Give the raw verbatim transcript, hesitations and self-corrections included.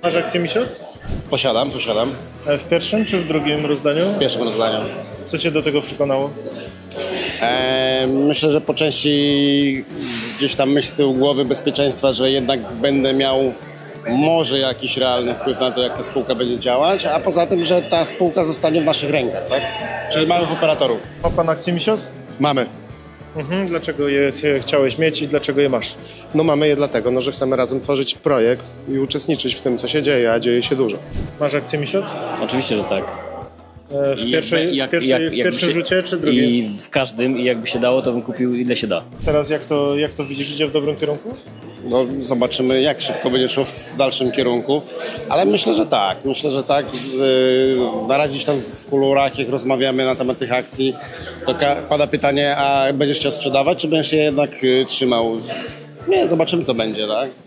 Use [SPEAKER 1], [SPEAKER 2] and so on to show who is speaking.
[SPEAKER 1] Masz akcję Misiot?
[SPEAKER 2] Posiadam, posiadam.
[SPEAKER 1] E, W pierwszym czy w drugim rozdaniu?
[SPEAKER 2] W pierwszym rozdaniu.
[SPEAKER 1] Co cię do tego przekonało?
[SPEAKER 2] E, myślę, że po części gdzieś tam myśl z tyłu głowy bezpieczeństwa, że jednak będę miał może jakiś realny wpływ na to, jak ta spółka będzie działać, a poza tym, że ta spółka zostanie w naszych rękach, tak? Czyli małych operatorów.
[SPEAKER 1] Ma pan akcję Misiot?
[SPEAKER 3] Mamy.
[SPEAKER 1] Mhm. Dlaczego je je chciałeś mieć i dlaczego je masz?
[SPEAKER 3] No mamy je dlatego, no, że chcemy razem tworzyć projekt i uczestniczyć w tym, co się dzieje, a dzieje się dużo.
[SPEAKER 1] Masz akcję Misiot?
[SPEAKER 4] Oczywiście, że tak.
[SPEAKER 1] E, W,
[SPEAKER 4] I
[SPEAKER 1] pierwszej,
[SPEAKER 4] jak-
[SPEAKER 1] w, pierwszej,
[SPEAKER 4] jak-
[SPEAKER 1] w
[SPEAKER 4] jakby
[SPEAKER 1] pierwszym
[SPEAKER 4] się-
[SPEAKER 1] rzucie czy drugim?
[SPEAKER 4] I w każdym, i jakby się dało, to bym kupił ile się da.
[SPEAKER 1] Teraz jak to, jak to widzisz, idzie w dobrym kierunku?
[SPEAKER 2] No, zobaczymy, jak szybko będzie szło w dalszym kierunku, ale myślę, że tak. Myślę, że tak. Z, y, na razie gdzieś tam w kuluarach, jak rozmawiamy na temat tych akcji, to ka- pada pytanie, a będziesz chciał sprzedawać, czy będziesz je jednak y, trzymał? Nie, zobaczymy, co będzie, tak?